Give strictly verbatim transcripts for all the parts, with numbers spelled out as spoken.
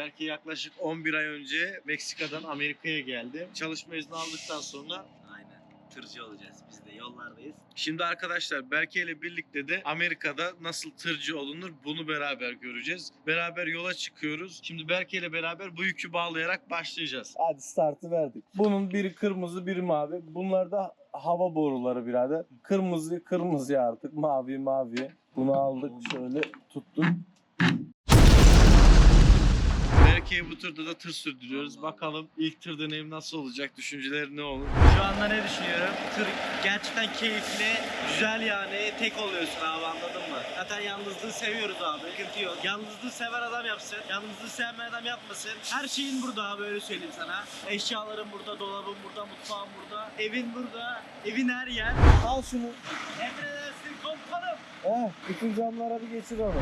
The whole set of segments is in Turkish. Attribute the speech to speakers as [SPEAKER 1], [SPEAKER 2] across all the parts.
[SPEAKER 1] Belki yaklaşık on bir ay önce Meksika'dan Amerika'ya geldi. Çalışma izni aldıktan sonra
[SPEAKER 2] Aynen. Tırcı olacağız. Biz de yollardayız.
[SPEAKER 1] şimdi arkadaşlar Berke ile birlikte de Amerika'da nasıl tırcı olunur bunu beraber göreceğiz. Beraber yola çıkıyoruz. Şimdi Berke ile beraber bu yükü bağlayarak başlayacağız.
[SPEAKER 3] Hadi startı verdik. Bunun biri kırmızı, biri mavi. Bunlar da hava boruları birader. Kırmızı kırmızı artık, mavi mavi. Bunu aldık, şöyle tuttuk.
[SPEAKER 1] Berke'ye bu turda da tır sürdürüyoruz. Bakalım ilk tır deneyim nasıl olacak? Düşünceleri ne olur?
[SPEAKER 2] Şu anda ne düşünüyorum? Tır gerçekten keyifli, güzel yani. Tek oluyorsun abi, anladın mı? Zaten yalnızlığı seviyoruz abi. Sıkıntı yok. Yalnızlığı seven adam yapsın. Yalnızlığı sevmeyen adam yapmasın. Her şeyin burada abi, öyle söyleyeyim sana. Eşyaların burada, dolabın burada, mutfağın burada. Evin burada. Evin her yer.
[SPEAKER 3] Al şunu.
[SPEAKER 2] Emredersin komutanım.
[SPEAKER 3] Eh, bütün camlara bir geçir onu.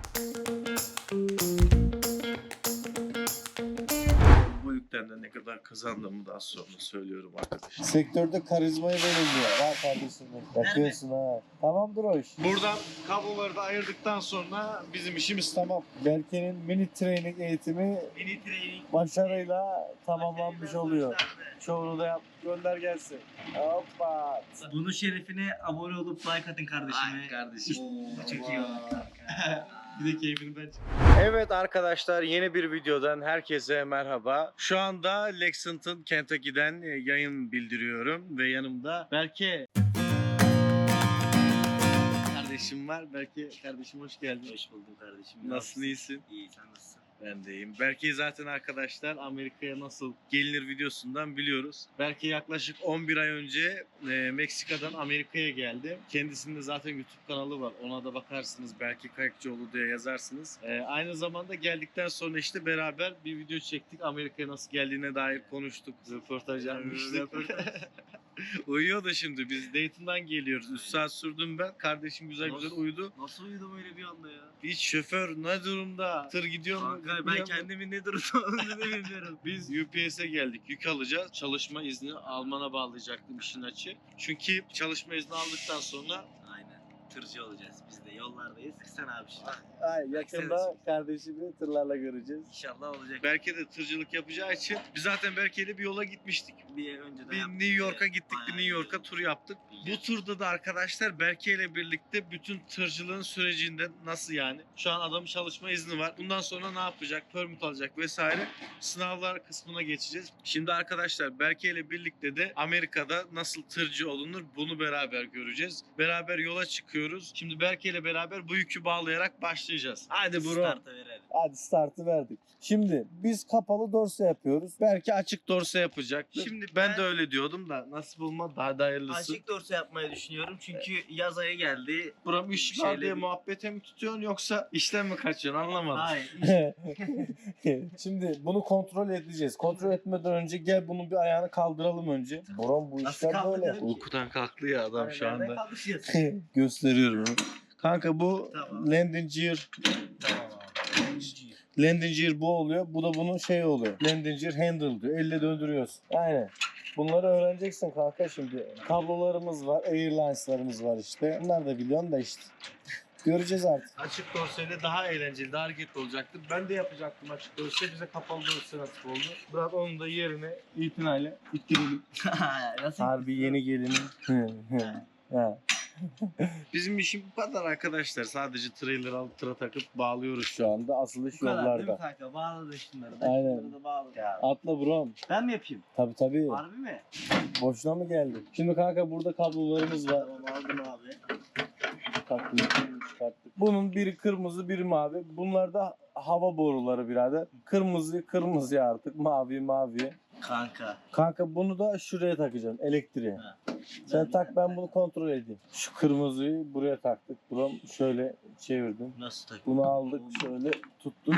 [SPEAKER 1] Bu yükten de ne kadar kazandığımı daha sonra söylüyorum arkadaşlar.
[SPEAKER 3] Sektörde karizmayı verilmiyor. Var kardeşim. Yapıyorsun ha. Tamamdır o iş.
[SPEAKER 1] Buradan kabloları da ayırdıktan sonra bizim işimiz tamam.
[SPEAKER 3] Berke'nin mini training eğitimi
[SPEAKER 2] Mini training.
[SPEAKER 3] başarıyla tamamlanmış oluyor. Çoğunu da yap. Gönder gelsin. Hoppa.
[SPEAKER 2] Bunun şerefine abone olup like atın kardeşime.
[SPEAKER 1] Ay kardeşim.
[SPEAKER 2] Çok iyi oldu kanka.
[SPEAKER 1] Bir de keyfini ben Evet arkadaşlar, yeni bir videodan herkese merhaba. Şu anda Lexington, Kentucky'den yayın bildiriyorum ve yanımda Berke kardeşim var. Berke kardeşim hoş geldin.
[SPEAKER 2] Hoş buldum kardeşim.
[SPEAKER 1] Nasılsın, iyisin?
[SPEAKER 2] İyi, sen nasılsın?
[SPEAKER 1] Ben de iyiyim. Berke'yi zaten arkadaşlar Amerika'ya nasıl gelinir videosundan biliyoruz. Berke yaklaşık on bir ay önce e, Meksika'dan Amerika'ya geldi. Kendisinin de zaten YouTube kanalı var. Ona da bakarsınız. Berke Kayıkçıoğlu diye yazarsınız. E, aynı zamanda geldikten sonra işte beraber bir video çektik. Amerika'ya nasıl geldiğine dair konuştuk. Röportaj yapmıştık. Uyuyor da şimdi. Biz Dayton'dan geliyoruz. üç saat sürdüm ben. Kardeşim güzel
[SPEAKER 2] Nasıl?
[SPEAKER 1] güzel uyudu.
[SPEAKER 2] Nasıl uyudum öyle bir anda ya?
[SPEAKER 1] Hiç şoför ne durumda? Tır gidiyor mu?
[SPEAKER 2] Kanka ben
[SPEAKER 1] gitmiyor mu?
[SPEAKER 2] kendimin ne durumda olduğunu bilmiyorum.
[SPEAKER 1] Biz U P S'e geldik. Yük alacağız. Çalışma izni Alman'a bağlayacaktım işin açığı. Çünkü çalışma izni aldıktan sonra
[SPEAKER 2] Aynen. Tırcı olacağız. Biz de yollardayız. Sen abi şimdi.
[SPEAKER 3] Ay, yakında kardeşimi tırlarla göreceğiz.
[SPEAKER 2] İnşallah olacak.
[SPEAKER 1] Berke de tırcılık yapacağı için biz zaten Berke'yle bir yola gitmiştik.
[SPEAKER 2] Bir önceden
[SPEAKER 1] Bir
[SPEAKER 2] yaptık.
[SPEAKER 1] New York'a gittik.
[SPEAKER 2] Bayağı
[SPEAKER 1] Bir New York'a
[SPEAKER 2] iyi.
[SPEAKER 1] tur yaptık. Bu turda da arkadaşlar Berke ile birlikte bütün tırcılığın sürecinde nasıl yani? Şu an adamın çalışma izni var. Bundan sonra ne yapacak? Permit alacak vesaire. Sınavlar kısmına geçeceğiz. Şimdi arkadaşlar Berke ile birlikte de Amerika'da nasıl tırcı olunur bunu beraber göreceğiz. Beraber yola çıkıyoruz. Şimdi Berke ile beraber bu yükü bağlayarak başlayacağız. Hadi bro.
[SPEAKER 2] Start'a verelim.
[SPEAKER 3] Hadi startı verdik. Şimdi biz kapalı dorse yapıyoruz.
[SPEAKER 1] Belki açık dorse yapacaktı.
[SPEAKER 2] Şimdi
[SPEAKER 1] ben,
[SPEAKER 2] ben-
[SPEAKER 1] de öyle diyordum da nasip olmadı, daha da hayırlısı.
[SPEAKER 2] Açık dorse yapmayı düşünüyorum çünkü yaz ayı geldi.
[SPEAKER 1] Buram iş
[SPEAKER 2] Bir
[SPEAKER 1] var
[SPEAKER 2] şeyle
[SPEAKER 1] diye
[SPEAKER 2] bir-
[SPEAKER 1] muhabbete mi tutuyorsun yoksa işten mi kaçıyorsun anlamadım.
[SPEAKER 2] Hayır.
[SPEAKER 3] Şimdi bunu kontrol edeceğiz. Kontrol etmeden önce gel bunun bir ayağını kaldıralım önce. Boran bu
[SPEAKER 2] Nasıl
[SPEAKER 3] işler böyle.
[SPEAKER 2] kaldıralım?
[SPEAKER 1] Uykudan kalktı ya adam şu
[SPEAKER 2] Nereden
[SPEAKER 1] anda.
[SPEAKER 2] kalkışacağız?
[SPEAKER 3] Gösteriyorum.
[SPEAKER 1] Kanka bu
[SPEAKER 2] Tamam.
[SPEAKER 1] landing gear.
[SPEAKER 2] Tamam abi.
[SPEAKER 3] Landing gear bu oluyor. Bu da bunun şey oluyor. Landing gear handle diyor. Elle döndürüyorsun. Aynen. Bunları öğreneceksin kanka şimdi. Kablolarımız var. Airlines'larımız var işte. Bunlar da biliyorsun da işte. Göreceğiz artık.
[SPEAKER 1] Açık dorseyle daha eğlenceli, daha hareketli olacaktı. Ben de yapacaktım açık dorse. Bize kapalı dorse nasip oldu. Biraz onun da yerine itinayla ittirelim.
[SPEAKER 2] Nasıl?
[SPEAKER 3] Harbi yeni gelinim. Ha.
[SPEAKER 1] Bizim işim bu kadar arkadaşlar. Sadece trailer alıp tıra takıp bağlıyoruz şu
[SPEAKER 3] Şu
[SPEAKER 1] an.
[SPEAKER 3] anda asılış
[SPEAKER 2] Bu kadar değil mi
[SPEAKER 3] yollarda.
[SPEAKER 2] kanka? Bağladı şunları.
[SPEAKER 3] Aynen.
[SPEAKER 2] Şunları da bağladı. Ya.
[SPEAKER 3] Atla brom.
[SPEAKER 2] Ben mi yapayım?
[SPEAKER 3] Tabi tabi.
[SPEAKER 2] Harbi mi?
[SPEAKER 3] Boşuna mı geldi? Şimdi kanka burada kablolarımız var.
[SPEAKER 2] Tamam aldım abi.
[SPEAKER 3] Çıkarttık, çıkarttık. Bunun biri kırmızı, biri mavi. Bunlar da hava boruları birader. Kırmızı, kırmızı artık. Mavi, mavi.
[SPEAKER 2] Kanka.
[SPEAKER 3] Kanka bunu da şuraya takacağım. Elektriğe.
[SPEAKER 2] Ha.
[SPEAKER 3] Sen tak, ben bunu kontrol edeyim. Şu kırmızıyı buraya taktık. Buram şöyle çevirdim.
[SPEAKER 2] Nasıl takayım?
[SPEAKER 3] Bunu aldık, şöyle tuttuk.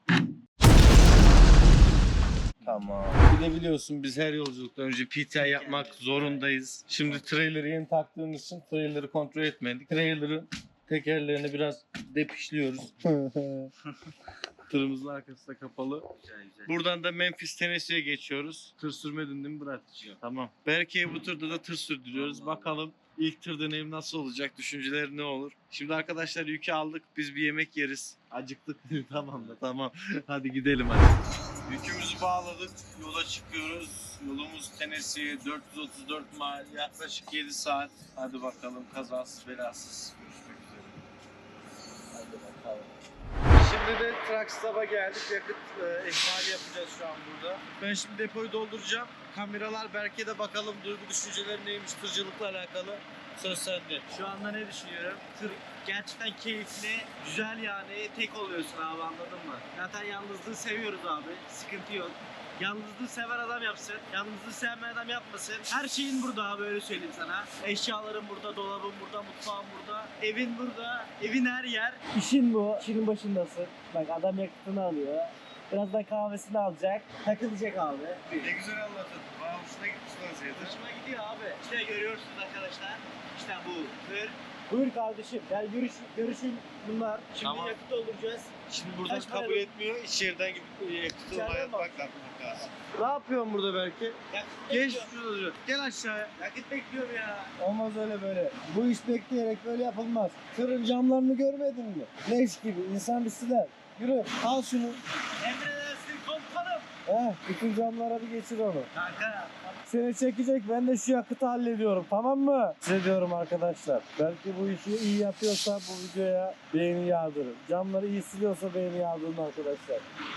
[SPEAKER 1] Tamam. Bir de biliyorsun biz her yolculuktan önce P T I yapmak zorundayız. Şimdi trailer'ı yeni taktığımız için trailer'ı kontrol etmedik. Trailer'ın tekerlerini biraz depişliyoruz. Tırımızın arkası da kapalı.
[SPEAKER 2] Güzel güzel.
[SPEAKER 1] Buradan da Memphis, Tennessee'ye geçiyoruz. Tır sürmedin değil mi Murat?
[SPEAKER 2] Yok.
[SPEAKER 1] Tamam. Berke'ye bu turda da tır sürdürüyoruz.
[SPEAKER 2] Allah
[SPEAKER 1] Bakalım ilk tır deneyim nasıl olacak? Düşünceleri ne olur? Şimdi arkadaşlar yükü aldık. Biz bir yemek yeriz. Acıktık. Tamam da tamam. Hadi gidelim hadi. Yükümüzü bağladık. Yola çıkıyoruz. Yolumuz Tennessee dört yüz otuz dört mil. Yaklaşık yedi saat. Hadi bakalım kazasız belasız. Görüşmek üzere. Hadi bakalım. Şimdi de truck stop'a geldik. Yakıt e, ihmali yapacağız şu an burada. Ben şimdi depoyu dolduracağım. Kameralar Berke'de bakalım duygu düşünceleri neymiş tırcılıkla alakalı. Söz sende.
[SPEAKER 2] Şu anda ne düşünüyorum? Tır gerçekten keyifli, güzel yani. Tek oluyorsun abi, anladın mı? Zaten yalnızlığı seviyoruz abi. Sıkıntı yok. Yalnızlığı seven adam yapsın. Yalnızlığı sevmeyen adam yapmasın. Her şeyin burada abi, öyle söyleyeyim sana. Eşyaların burada, dolabın burada, mutfağın burada. Evin burada. Evin her yer. İşin bu. İşinin başındasın. Bak adam yakıtını alıyor. Birazdan kahvesini alacak. Takılacak abi.
[SPEAKER 1] Ne güzel anlatın. Bana hoşuna gitmiş vaziyeti.
[SPEAKER 2] Hoşuma gidiyor abi. İşte görüyorsunuz arkadaşlar. İşte bu tır. Buyur kardeşim. Yani görüş, görüşün bunlar. Şimdi
[SPEAKER 1] Tamam.
[SPEAKER 2] yakıt dolduracağız.
[SPEAKER 1] Şimdi buradan
[SPEAKER 2] Kaç para
[SPEAKER 1] kabul
[SPEAKER 2] ödedin?
[SPEAKER 1] etmiyor. İç yerden gidip yakıtı
[SPEAKER 2] İçeriden
[SPEAKER 1] oraya
[SPEAKER 2] mi?
[SPEAKER 1] bak bakmak lazım.
[SPEAKER 3] Ne yapıyorsun burada belki?
[SPEAKER 2] Yakıt
[SPEAKER 1] Geç
[SPEAKER 2] bekliyorum.
[SPEAKER 1] şurada dur. Gel aşağıya.
[SPEAKER 2] Yakıt bekliyorum ya.
[SPEAKER 3] Olmaz öyle böyle. Bu iş bekleyerek böyle yapılmaz. Tırın camlarını görmedin mi? Leş gibi. İnsan bir siler. Yürü al şunu.
[SPEAKER 2] Emredersin komutanım.
[SPEAKER 3] Heh, bütün camlara bir geçir onu.
[SPEAKER 2] Kanka.
[SPEAKER 3] Seni çekecek, ben de şu yakıtı hallediyorum, tamam mı? Size diyorum arkadaşlar, belki bu işi iyi yapıyorsa bu videoya beğeni yağdırın. Camları iyi siliyorsa beğeni yağdırın arkadaşlar.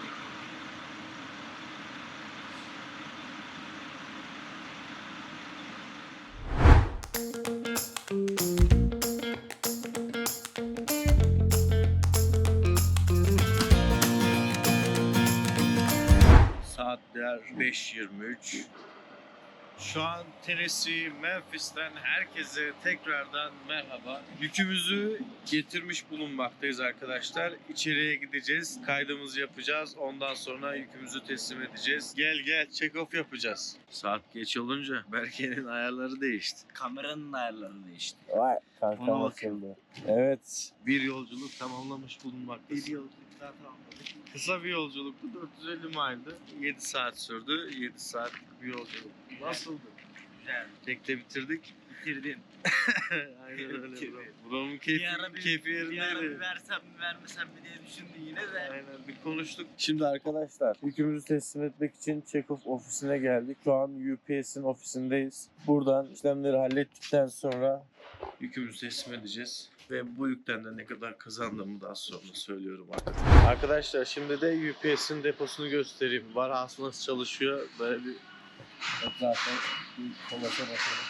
[SPEAKER 1] Saatler beş yirmi üç. Şu an Tennessee, Memphis'ten herkese tekrardan merhaba. Yükümüzü getirmiş bulunmaktayız arkadaşlar. İçeriye gideceğiz, kaydımızı yapacağız. Ondan sonra yükümüzü teslim edeceğiz. Gel gel, check-off yapacağız. Saat geç olunca Berke'nin ayarları değişti.
[SPEAKER 2] Kameranın ayarları değişti.
[SPEAKER 3] Vay kanka
[SPEAKER 2] Ona bakıyorum.
[SPEAKER 3] nasıldı? Evet.
[SPEAKER 1] Bir yolculuk tamamlamış bulunmaktayız.
[SPEAKER 2] Bir yolculuk daha tamamladık.
[SPEAKER 1] Kısa bir yolculuktu, dört yüz elli mildi. yedi saat sürdü, yedi saatlik bir yolculuk. Nasıldı?
[SPEAKER 2] Güzel.
[SPEAKER 1] Tekte bitirdik.
[SPEAKER 2] Bitirdin.
[SPEAKER 1] Aynen öyle bro.
[SPEAKER 2] Bitirdim.
[SPEAKER 1] Buranın keyfi,
[SPEAKER 2] Bir ara bir,
[SPEAKER 1] keyfi
[SPEAKER 2] bir ara bir
[SPEAKER 1] yerindeydi.
[SPEAKER 2] versem mi vermesem mi diye düşündün yine de.
[SPEAKER 1] Aynen bir konuştuk.
[SPEAKER 3] Şimdi arkadaşlar yükümüzü teslim etmek için check-off ofisine geldik. Şu an U P S'in ofisindeyiz. Buradan işlemleri hallettikten sonra
[SPEAKER 1] Yükümüzü teslim edeceğiz. Ve bu yükten de ne kadar kazandığımı daha sonra söylüyorum artık. Arkadaşlar şimdi de U P S'in deposunu göstereyim. Warehouse nasıl çalışıyor. Böyle bir
[SPEAKER 3] zaten bir kolasa bakalım.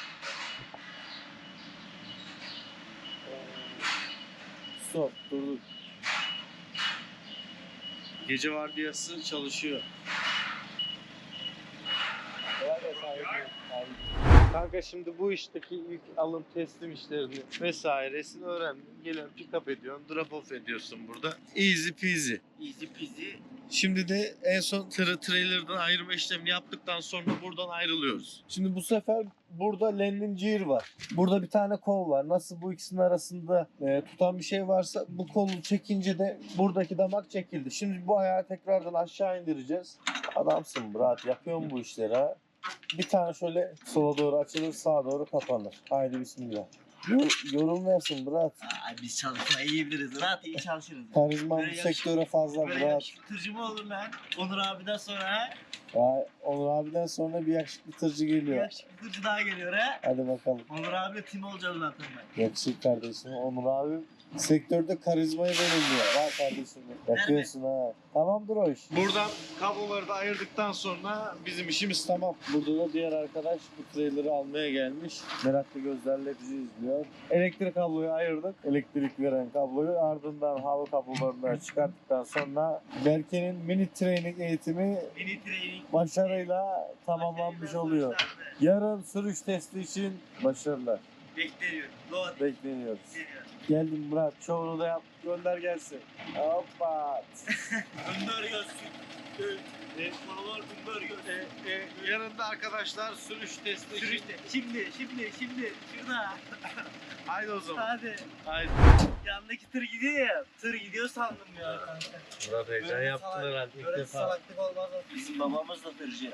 [SPEAKER 3] Stop, durduk.
[SPEAKER 1] gece vardiyası çalışıyor. Kanka şimdi bu işteki yük alım teslim işlerini vesairesini öğrendim. Gelen pick up ediyorsun, drop off ediyorsun burada. Easy peasy.
[SPEAKER 2] Easy peasy.
[SPEAKER 1] Şimdi de en son tırı trailer'dan ayırma işlemini yaptıktan sonra buradan ayrılıyoruz.
[SPEAKER 3] Şimdi bu sefer burada landing gear var. Burada bir tane kol var. Nasıl bu ikisinin arasında e, tutan bir şey varsa bu kolu çekince de buradaki damak çekildi. Şimdi bu ayağı tekrardan aşağı indireceğiz. Adamsın Murat, yapıyorsun bu işleri ha. Bir tane şöyle sola doğru açılır, sağa doğru kapanır. Haydi bismillah. Yor- yorum versin Murat.
[SPEAKER 2] Aa, biz çalışmayı iyi biliriz. Rahat iyi çalışırız.
[SPEAKER 3] Karizma bu
[SPEAKER 2] Böyle
[SPEAKER 3] sektöre fazla
[SPEAKER 2] Böyle
[SPEAKER 3] Murat.
[SPEAKER 2] yakışıklı tırcı mı olur lan? Onur abiden sonra ha?
[SPEAKER 3] Ya, Onur abiden sonra bir yakışıklı tırcı
[SPEAKER 2] Bir
[SPEAKER 3] geliyor.
[SPEAKER 2] yakışıklı tırcı daha geliyor ha?
[SPEAKER 3] Hadi bakalım.
[SPEAKER 2] Onur abiyle tim olacağız zaten ben.
[SPEAKER 3] Yakışıklı kardeşim. Onur abi sektörde karizmayı belirliyor. Var kardeşim. Yapıyorsun ha. Tamamdır o iş.
[SPEAKER 1] Buradan kabloları da ayırdıktan sonra bizim işimiz tamam.
[SPEAKER 3] Burada da diğer arkadaş bu trailer'ı almaya gelmiş. Meraklı gözlerle bizi izliyor. Elektrik kabloyu ayırdık. Elektrik veren kabloyu ardından hava kablolarını çıkarttıktan sonra Berke'nin mini training eğitimi
[SPEAKER 2] Mini training.
[SPEAKER 3] başarıyla tamamlanmış oluyor. Yarın sürüş testi için başarılar
[SPEAKER 2] Bekleniyor. Load.
[SPEAKER 3] bekleniyoruz.
[SPEAKER 2] Bekleniyor.
[SPEAKER 3] Geldim Murat. Çoğunu da yap. Gönder gelsin. Hoppa.
[SPEAKER 2] Gönder gelsin.
[SPEAKER 1] E,
[SPEAKER 2] Paralar bunlar gör.
[SPEAKER 1] e, e, yanında arkadaşlar sürüş testi.
[SPEAKER 2] Sürüşte. Şimdi, şimdi, şimdi. Şurada.
[SPEAKER 1] Haydi o zaman.
[SPEAKER 2] Hadi.
[SPEAKER 1] Haydi.
[SPEAKER 2] Yandaki tır gidiyor ya. Tır gidiyor sandım ya kanka.
[SPEAKER 3] Murat heyecan
[SPEAKER 2] Böyle
[SPEAKER 3] yaptın
[SPEAKER 2] salak-
[SPEAKER 3] herhalde ilk
[SPEAKER 2] Böyle
[SPEAKER 3] defa.
[SPEAKER 2] salaklık olmaz. Bizim babamız da tırcı.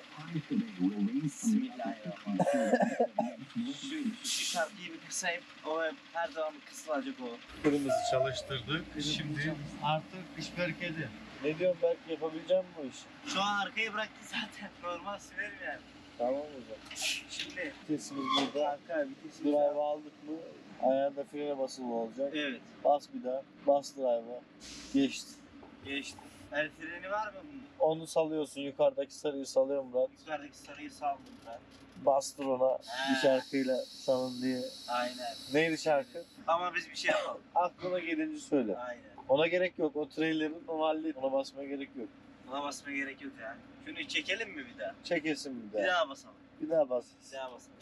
[SPEAKER 2] Bismillahirrahmanirrahim. şu, şu şarkıyı bir kısayım. O hep her zaman bir kısılacak o.
[SPEAKER 3] Kırmızı
[SPEAKER 1] Çalıştırdık. Şimdi artık iş bereketi.
[SPEAKER 3] Ne diyorsun Berk, yapabileceğim bu işi?
[SPEAKER 2] Şu an arkayı bıraktı zaten. Normal sürerim yani.
[SPEAKER 3] Tamam o zaman.
[SPEAKER 2] Şimdi
[SPEAKER 3] Vitesimiz burada.
[SPEAKER 2] kanka vitesi.
[SPEAKER 3] Drive aldık mı ayağında frene basılı olacak.
[SPEAKER 2] Evet.
[SPEAKER 3] Bas bir daha. Bas drive'a. Geçti.
[SPEAKER 2] Geçti. El freni var mı bunda?
[SPEAKER 3] Onu salıyorsun. Yukarıdaki sarıyı salıyor Murat.
[SPEAKER 2] Yukarıdaki sarıyı saldım ben.
[SPEAKER 3] Bastır ona bir şarkıyla salın diye.
[SPEAKER 2] Aynen.
[SPEAKER 3] Neydi şarkı?
[SPEAKER 2] Ama biz bir şey yapalım.
[SPEAKER 3] Aklına gelince söyle.
[SPEAKER 2] Aynen.
[SPEAKER 3] Ona gerek yok. O trailer'ın o halde ona basmaya gerek yok.
[SPEAKER 2] Buna basmaya gerek yok yani. Şunu çekelim mi bir daha?
[SPEAKER 3] Çekesin bir
[SPEAKER 2] Bir
[SPEAKER 3] daha.
[SPEAKER 2] daha basalım.
[SPEAKER 3] Bir daha bas.
[SPEAKER 2] Bir daha basalım.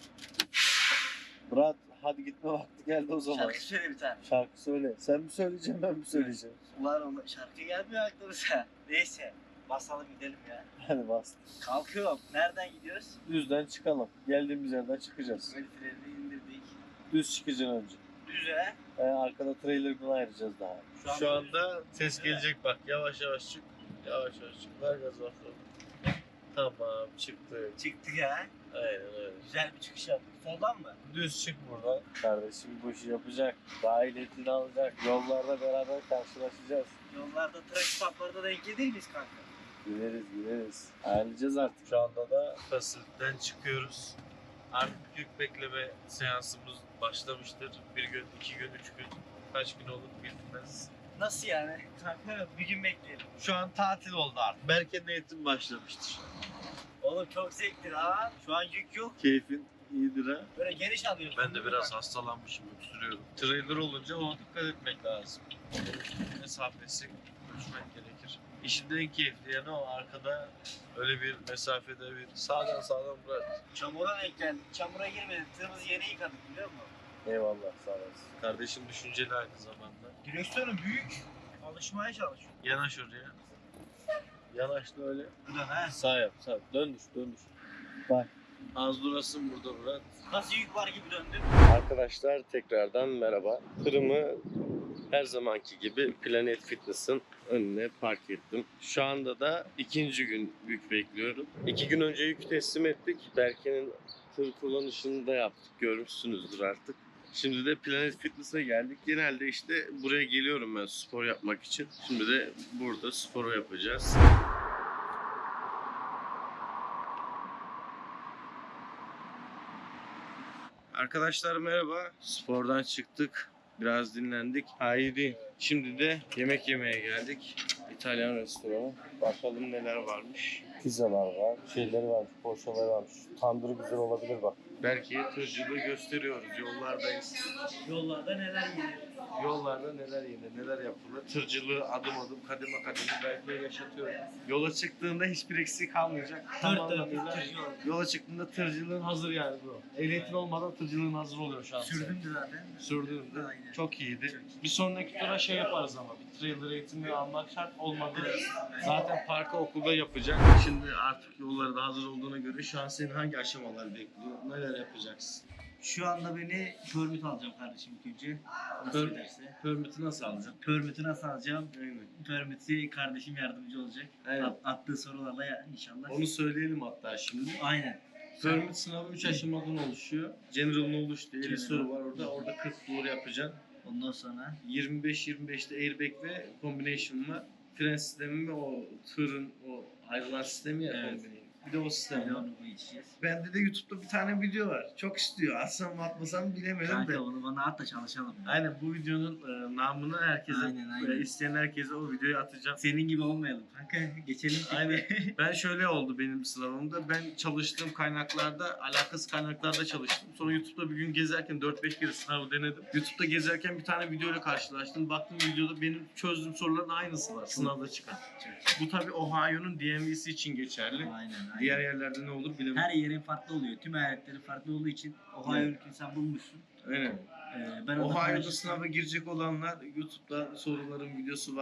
[SPEAKER 3] Murat hadi gitme vakti geldi o zaman.
[SPEAKER 2] Şarkı söyle bir tane.
[SPEAKER 3] Şarkı söyle. Sen mi söyleyeceksin ben mi söyleyeceğim?
[SPEAKER 2] Ulan ona şarkı gelmiyor aklımıza. Neyse. Basalım gidelim ya.
[SPEAKER 3] Hadi bas.
[SPEAKER 2] Kalkıyorum. Nereden gidiyoruz?
[SPEAKER 3] Düzden çıkalım. Geldiğimiz yerden çıkacağız.
[SPEAKER 2] El freni indirdik.
[SPEAKER 3] Düz çıkacaksın önce.
[SPEAKER 2] Düze.
[SPEAKER 3] Ee, arkada trailer'dan ayıracağız daha.
[SPEAKER 2] Şu an
[SPEAKER 1] Şu anda ses gelecek bak. Yavaş yavaş çık. Yavaş yavaş çık. Ver gaz bakalım. Tamam çıktık.
[SPEAKER 2] çıktık ya.
[SPEAKER 3] Aynen öyle.
[SPEAKER 2] Güzel bir çıkış yaptık. Soldan mı?
[SPEAKER 3] Düz çık buradan. Kardeşim bu işi yapacak. Daha ehliyetini alacak. Yollarda beraber karşılaşacağız.
[SPEAKER 2] Yollarda trafik patlarda denk gelir miyiz kanka?
[SPEAKER 3] Gideriz gideriz. Ayarlayacağız artık. Şu anda da
[SPEAKER 1] Fasilden çıkıyoruz. Artık yük bekleme seansımız başlamıştır. Bir gün, iki gün, üç gün, kaç gün olur bilmez.
[SPEAKER 2] Nasıl yani? Kanka bir gün bekleyelim.
[SPEAKER 1] Şu an tatil oldu artık. Berke'nin eğitim başlamıştır.
[SPEAKER 2] Oğlum çok zevkli ha. Şu an yük yok.
[SPEAKER 1] Keyfin iyidir ha.
[SPEAKER 2] Böyle geniş alıyorsun.
[SPEAKER 1] Ben de biraz hastalanmışım, öksürüyorum. Trailer olunca ona dikkat etmek lazım. Mesafesi ölçmek gerekir. İşin en keyifli yanı o arkada öyle bir mesafede bir sağdan sağdan bırak.
[SPEAKER 2] Çamura denk geldik. Çamura girmedik. Tırımızı yeni yıkadık biliyor musun?
[SPEAKER 3] eyvallah sağ olasın.
[SPEAKER 1] Kardeşim düşünceli aynı zamanda.
[SPEAKER 2] Direksiyonu büyük. Alışmaya çalışıyor.
[SPEAKER 1] Yanaş oraya.
[SPEAKER 3] Yanaş da öyle.
[SPEAKER 2] Ulan ha.
[SPEAKER 3] Sağ yap sağ. Döndür döndür. Bak.
[SPEAKER 1] Az durasın burada Murat.
[SPEAKER 2] Nasıl yük var gibi döndüm.
[SPEAKER 3] Arkadaşlar tekrardan merhaba. Tırımı her zamanki gibi Planet Fitness'ın önüne park ettim. Şu anda da ikinci gün yük bekliyorum. İki gün önce yük teslim ettik. Berke'nin tır kullanışını da yaptık. Görmüşsünüzdür artık. Şimdi de Planet Fitness'a geldik. Genelde işte buraya geliyorum ben spor yapmak için. Şimdi de burada sporu yapacağız. Arkadaşlar merhaba. Spordan çıktık. Biraz dinlendik. Haydi. Şimdi de yemek yemeye geldik. İtalyan restoranı. Bakalım neler varmış. Pizzalar var. Şeyleri varmış. Poğaçaları varmış. Tandır güzel olabilir bak. Belki tırcılığı gösteriyoruz. Yollardayız.
[SPEAKER 2] Yollarda neler geliyor?
[SPEAKER 1] Yollarda neler yenir, neler yapılır. Tırcılığı adım adım, kademe kademe belki de yaşatıyoruz. Yola çıktığında hiçbir eksik kalmayacak. Tam
[SPEAKER 2] Dört
[SPEAKER 1] anlamıyla
[SPEAKER 2] dört tırcı oldu.
[SPEAKER 1] yola çıktığında tırcılığın hazır yani bu. Ehliyetin olmadan tırcılığın hazır oluyor şu an.
[SPEAKER 2] Sürdüm de zaten.
[SPEAKER 1] Sürdüğümde
[SPEAKER 2] Aynen.
[SPEAKER 1] çok iyiydi. Bir sonraki tura şey yaparız ama bir trailer eğitimi almak şart olmadı. Zaten parka okulda yapacak. Şimdi artık yolları da hazır olduğuna göre şu an senin hangi aşamalar bekliyor? Neler yapacaksın?
[SPEAKER 2] Şu anda beni permit alacağım kardeşim ilk önce. Nasıl
[SPEAKER 1] Per-
[SPEAKER 2] ederse.
[SPEAKER 1] Permit'i nasıl alacaksın?
[SPEAKER 2] Permit'i nasıl alacağım?
[SPEAKER 1] Aynen.
[SPEAKER 2] Permit'i kardeşim yardımcı olacak.
[SPEAKER 1] Aynen.
[SPEAKER 2] At- attığı sorularla ya- inşallah.
[SPEAKER 1] Onu söyleyelim hatta şimdi.
[SPEAKER 2] Aynen.
[SPEAKER 1] Permit sınavı üç aşamadan oluşuyor. General Knowledge diye elli
[SPEAKER 2] General.
[SPEAKER 1] soru var orada. Orada kırk doğru yapacaksın.
[SPEAKER 2] Ondan sonra
[SPEAKER 1] yirmi beş yirmi beşte airbag ve combination var. Fren sistemi ve o tırın o ayrılan sistemi ya
[SPEAKER 2] Evet.
[SPEAKER 1] combination. Bir de o sistem
[SPEAKER 2] öyle
[SPEAKER 1] var.
[SPEAKER 2] onu bu içeceğiz.
[SPEAKER 1] Bende de YouTube'da bir tane video var. Çok istiyor. Atsam mı atmasam bilemedim de.
[SPEAKER 2] Kanka onu bana at da çalışalım.
[SPEAKER 1] Aynen bu videonun e, namını herkese,
[SPEAKER 2] Aynen, aynen.
[SPEAKER 1] e, isteyen herkese o videoyu atacağım.
[SPEAKER 2] Senin gibi olmayalım. Kanka geçelim.
[SPEAKER 1] Aynen. Ben şöyle oldu benim sınavımda. Ben çalıştığım kaynaklarda, alakasız kaynaklarda çalıştım. Sonra YouTube'da bir gün gezerken dört beş kere sınavı denedim. YouTube'da gezerken bir tane videoyla karşılaştım. Baktım videoda benim çözdüğüm soruların aynısı var sınavda çıkan. Bu tabii Ohio'nun D M V'si için geçerli.
[SPEAKER 2] Aynen aynen.
[SPEAKER 1] Diğer yerlerde ne olur bilemem.
[SPEAKER 2] Her yerin farklı oluyor. Tüm eyaletlerin farklı olduğu için Ohio
[SPEAKER 1] Evet.
[SPEAKER 2] ülkeni sen bulmuşsun.
[SPEAKER 1] Aynen.
[SPEAKER 2] Ee, ben orada
[SPEAKER 1] Ohio'da
[SPEAKER 2] kardeşim-
[SPEAKER 1] sınava girecek olanlar YouTube'da soruların videosu var.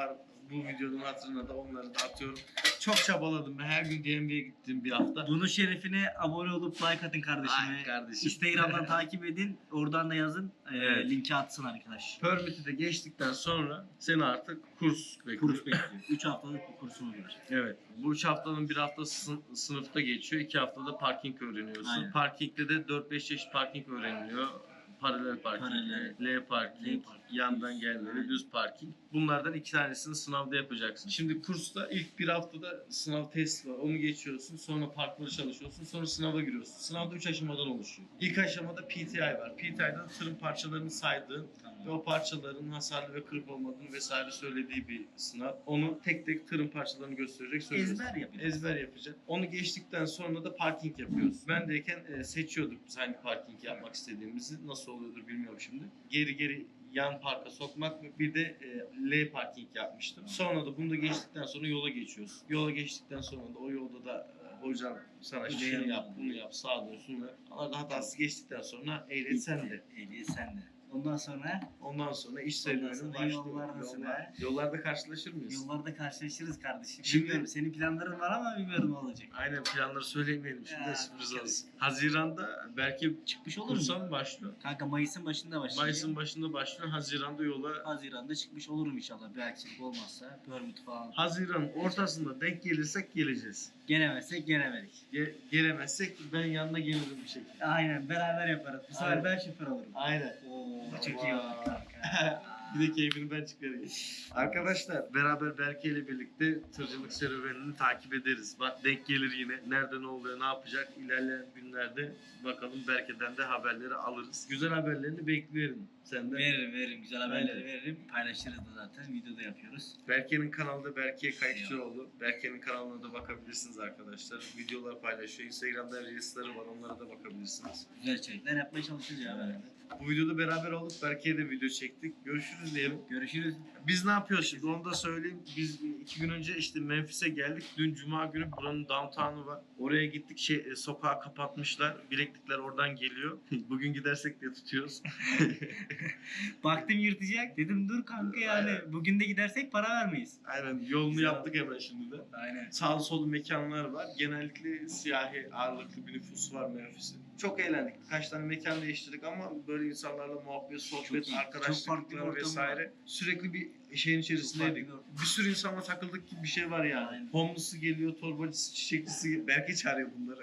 [SPEAKER 1] Bu videonun hatırına da onları da atıyorum. Çok çabaladım ben. Her gün D M V'ye gittim bir hafta.
[SPEAKER 2] Bunun şerefine abone olup like atın kardeşime.
[SPEAKER 1] Ay kardeşim.
[SPEAKER 2] Instagram'dan takip edin. Oradan da yazın. Ee,
[SPEAKER 1] Evet.
[SPEAKER 2] Linki atsın arkadaş.
[SPEAKER 1] Permit'i de geçtikten sonra seni artık kurs bekliyor.
[SPEAKER 2] Kurs bekliyor. üç haftalık bir kursumuz var.
[SPEAKER 1] Evet. Bu üç haftanın bir haftası sın- sınıfta geçiyor. iki haftada parking öğreniyorsun.
[SPEAKER 2] Aynen.
[SPEAKER 1] Parking'de de dört beş çeşit parking öğreniliyor. Paralel parking,
[SPEAKER 2] Paralel.
[SPEAKER 1] L parking,
[SPEAKER 2] L parking.
[SPEAKER 1] yandan gelmeli,
[SPEAKER 2] Aynen.
[SPEAKER 1] düz parking. Bunlardan iki tanesini sınavda yapacaksın. Şimdi kursta ilk bir haftada sınav test var. Onu geçiyorsun. Sonra parkları çalışıyorsun. Sonra sınava giriyorsun. Sınavda üç aşamadan oluşuyor. İlk aşamada P T I var. P T I'da tırın parçalarını saydığın ve o parçaların hasarlı ve kırık olmadığını vesaire söylediği bir sınav. Onu tek tek tırın parçalarını gösterecek söyleyeceksin.
[SPEAKER 2] Ezber yapıyor.
[SPEAKER 1] Ezber yapacak. Onu geçtikten sonra da parking yapıyoruz. Ben deyken e, seçiyorduk biz hangi parking yapmak istediğimizi. Nasıl oluyordur bilmiyorum şimdi. Geri geri yan parka sokmak ve bir de e, L parking yapmıştım. Sonra da bunu da geçtikten sonra yola geçiyoruz. Yola geçtikten sonra da o yolda da e, hocam sana
[SPEAKER 2] Şunu
[SPEAKER 1] şunu
[SPEAKER 2] yap,
[SPEAKER 1] yap, bunu yap, sağa dönsün ve arada hatası geçtikten sonra ehliyet sende.
[SPEAKER 2] Ehliyet sende. Ondan sonra
[SPEAKER 1] Ondan sonra iş
[SPEAKER 2] Ondan
[SPEAKER 1] serüveni
[SPEAKER 2] sonra
[SPEAKER 1] başlıyor.
[SPEAKER 2] yollardasın
[SPEAKER 1] Yollar-
[SPEAKER 2] ha.
[SPEAKER 1] Yollarda karşılaşır mıyız?
[SPEAKER 2] yollarda karşılaşırız kardeşim.
[SPEAKER 1] Şimdi-
[SPEAKER 2] Bilmiyorum senin planların var ama bilmiyorum ne olacak.
[SPEAKER 1] Aynen, planları söylemeyelim şimdi de
[SPEAKER 2] Ya,
[SPEAKER 1] sürpriz
[SPEAKER 2] evet.
[SPEAKER 1] olsun. Haziran'da belki
[SPEAKER 2] Çıkmış olur
[SPEAKER 1] kursa
[SPEAKER 2] mu?
[SPEAKER 1] mı başlıyor?
[SPEAKER 2] Kanka Mayıs'ın başında başlıyor.
[SPEAKER 1] Mayıs'ın başında başlıyor. Haziran'da yola.
[SPEAKER 2] Haziran'da çıkmış olurum inşallah. Bir aksilik olmazsa. Permit falan.
[SPEAKER 1] Haziran'ın ortasında denk gelirsek geleceğiz.
[SPEAKER 2] Gelemezsek gelemedik.
[SPEAKER 1] Ge- gelemezsek ben yanına gelirim bir şekilde.
[SPEAKER 2] Aynen beraber yaparız. Bu sefer
[SPEAKER 1] Aynen.
[SPEAKER 2] ben şoför olurum.
[SPEAKER 1] Aynen.
[SPEAKER 2] Oo,
[SPEAKER 1] Tamam.
[SPEAKER 2] çok iyi olur kanka.
[SPEAKER 1] Bir de keyfini ben çıkarayım. Arkadaşlar beraber Berke ile birlikte tırcılık serüvenini takip ederiz. Bak denk gelir yine. Nerede ne oluyor, ne yapacak ilerleyen günlerde bakalım Berke'den de haberleri alırız. Güzel haberlerini bekliyorum senden.
[SPEAKER 2] Veririm veririm. Güzel haberleri
[SPEAKER 1] Aynen.
[SPEAKER 2] veririm. Paylaşırız da zaten. Videoda yapıyoruz.
[SPEAKER 1] Berke'nin kanalında Berke Kayıkçıoğlu. Berke'nin kanalına da bakabilirsiniz arkadaşlar. Videolar paylaşıyor. Instagram'da Reels'ları var. Onlara da bakabilirsiniz.
[SPEAKER 2] Güzel içerikler yapmaya çalışacağız ya beraber.
[SPEAKER 1] Bu videoda beraber olduk. Berke'ye de video çektik. Görüşürüz diyelim.
[SPEAKER 2] Görüşürüz.
[SPEAKER 1] Biz ne yapıyoruz şimdi onu da söyleyeyim. Biz iki gün önce işte Memphis'e geldik. Dün Cuma günü buranın downtown'u var. Oraya gittik, şey, e, sokağı kapatmışlar. Bileklikler oradan geliyor. Bugün gidersek diye tutuyoruz.
[SPEAKER 2] Baktım yırtacak. Dedim dur kanka yani. Bugün de gidersek para vermeyiz.
[SPEAKER 1] Aynen, yolunu
[SPEAKER 2] Güzel.
[SPEAKER 1] yaptık hemen şimdi de.
[SPEAKER 2] Aynen.
[SPEAKER 1] Sağlı sollu mekanlar var. Genellikle siyahi ağırlıklı bir nüfus var Memphis'in. Çok eğlendik. Birkaç tane mekan değiştirdik ama böyle insanlarla muhabbet, sohbet,
[SPEAKER 2] Çok iyi. Çok farklı bir
[SPEAKER 1] arkadaşlıklar
[SPEAKER 2] ortam
[SPEAKER 1] vesaire. Sürekli bir şeyin içerisindeydik.
[SPEAKER 2] Çok farklı.
[SPEAKER 1] Bir sürü insanla takıldık gibi bir şey var yani.
[SPEAKER 2] Aynen.
[SPEAKER 1] Homeless'ı geliyor, torbacısı, çiçekçisi. Belki çağırıyor bunları.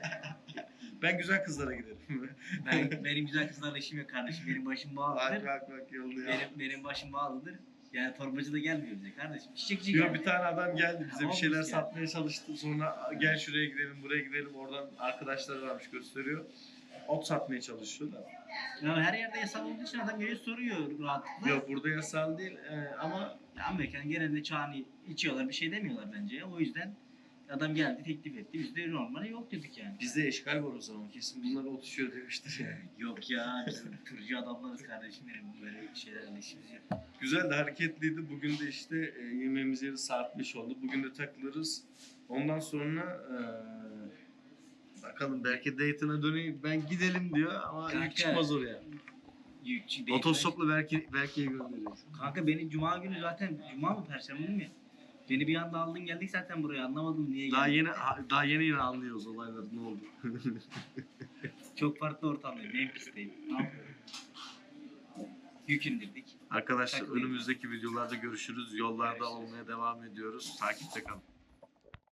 [SPEAKER 1] Ben güzel kızlara giderim.
[SPEAKER 2] Ben, benim güzel kızlarla işim yok kardeşim. Benim başım
[SPEAKER 1] bak
[SPEAKER 2] bağlıdır.
[SPEAKER 1] bak bak yolunu ya.
[SPEAKER 2] Benim, benim başım bağlıdır. Yani torbacı da gelmiyor bize kardeşim. Çiçekçi
[SPEAKER 1] Diyor,
[SPEAKER 2] geldi.
[SPEAKER 1] bir tane adam geldi bize bir
[SPEAKER 2] Olmuş
[SPEAKER 1] şeyler
[SPEAKER 2] ya.
[SPEAKER 1] satmaya çalıştı. Sonra gel şuraya gidelim, buraya gidelim. Oradan arkadaşları varmış, gösteriyor. Ot satmaya çalışıyor da.
[SPEAKER 2] Ya her yerde yasal olduğu için adam geliyor soruyor rahatlıkla.
[SPEAKER 1] Yok, burada yasal değil e, ama
[SPEAKER 2] Ya Amerikan genelde çağını içiyorlar bir şey demiyorlar bence. O yüzden adam geldi teklif etti. Biz de normali yok dedik yani.
[SPEAKER 1] bizde eşgal var o zaman. Kesin bunlar otuşuyor demiştir yani.
[SPEAKER 2] Yok ya biz tırcı adamlarız kardeşim benim. Böyle şeylerle işimiz yok.
[SPEAKER 1] Güzel de hareketliydi. Bugün de işte e, yemeğimiz yeri saat beş oldu. Bugün de takılırız. Ondan sonra e, bakalım belki Dayton'a döneyim. Ben gidelim diyor ama
[SPEAKER 2] Kanka,
[SPEAKER 1] ilk çıkmaz oraya.
[SPEAKER 2] Yükçü değil.
[SPEAKER 1] Otostopla belki Berke'ye gönderiyoruz.
[SPEAKER 2] Kanka beni cuma günü zaten cuma mı perşembe mi? Beni bir anda aldın geldik zaten buraya anlamadım niye
[SPEAKER 1] Daha
[SPEAKER 2] geldik.
[SPEAKER 1] yeni ha- daha yeni yeni anlıyoruz olayları ne oldu.
[SPEAKER 2] Çok farklı ortamdayım. Memphis'teyim. Ne yapıyorum? Yük indirdik.
[SPEAKER 1] Arkadaşlar
[SPEAKER 2] Takılayım.
[SPEAKER 1] önümüzdeki videolarda görüşürüz. Yollarda olmaya devam ediyoruz. Takipte kalın.